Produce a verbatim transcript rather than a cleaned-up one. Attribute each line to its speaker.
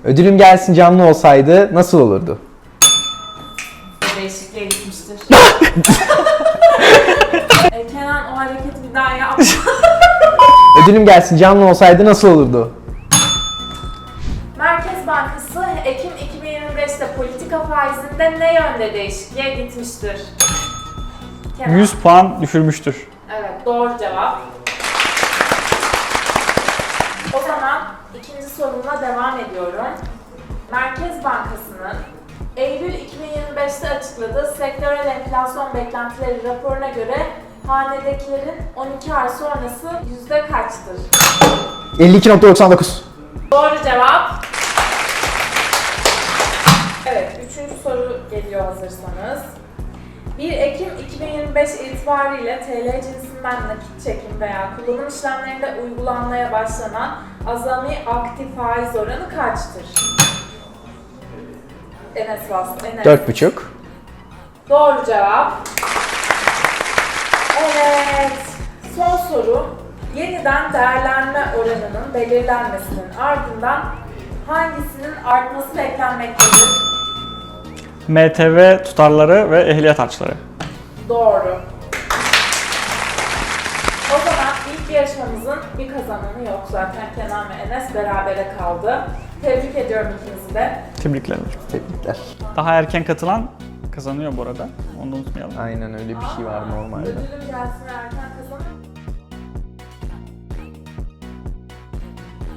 Speaker 1: Ödülüm gelsin canlı olsaydı nasıl olurdu?
Speaker 2: Değişikliğe gitmiştir. e, Kenan o hareketi bir daha yap.
Speaker 1: Ödülüm gelsin canlı olsaydı nasıl olurdu?
Speaker 2: Merkez Bankası Ekim iki bin yirmi beşte politika faizinde ne yönde değişikliğe gitmiştir? Kenan.
Speaker 3: yüz puan düşürmüştür.
Speaker 2: Evet, doğru cevap. O zaman ikinci sorumla devam ediyorum. Merkez Bankası'nın Eylül iki bin yirmi beşte açıkladığı sektörel enflasyon beklentileri raporuna göre hanedekilerin on iki ay sonrası yüzde kaçtır?
Speaker 1: elli iki nokta doksan dokuz.
Speaker 2: Doğru cevap. Evet, üçüncü soru geliyor hazırsanız. bir Ekim iki bin yirmi beş itibariyle T L cinsinden nakit çekim veya kullanım işlemlerinde uygulanmaya başlanan azami aktif faiz oranı kaçtır? Enes bastı. Enes.
Speaker 1: Dört buçuk.
Speaker 2: Doğru cevap. Evet. Son soru. Yeniden değerlenme oranının belirlenmesinin ardından hangisinin artması beklenmektedir?
Speaker 3: M T V tutarları ve ehliyet harçları.
Speaker 2: Doğru. O zaman ilk yarışmamızın bir kazananı yok zaten. Kenan ve Enes berabere kaldı. Tebrik ediyorum ikinizi de.
Speaker 3: Tebrikler.
Speaker 1: Tebrikler.
Speaker 3: Daha erken katılan kazanıyor bu arada. Onu da unutmayalım.
Speaker 1: Aynen öyle bir şey var normalde.
Speaker 2: Ödülüm gelsin erken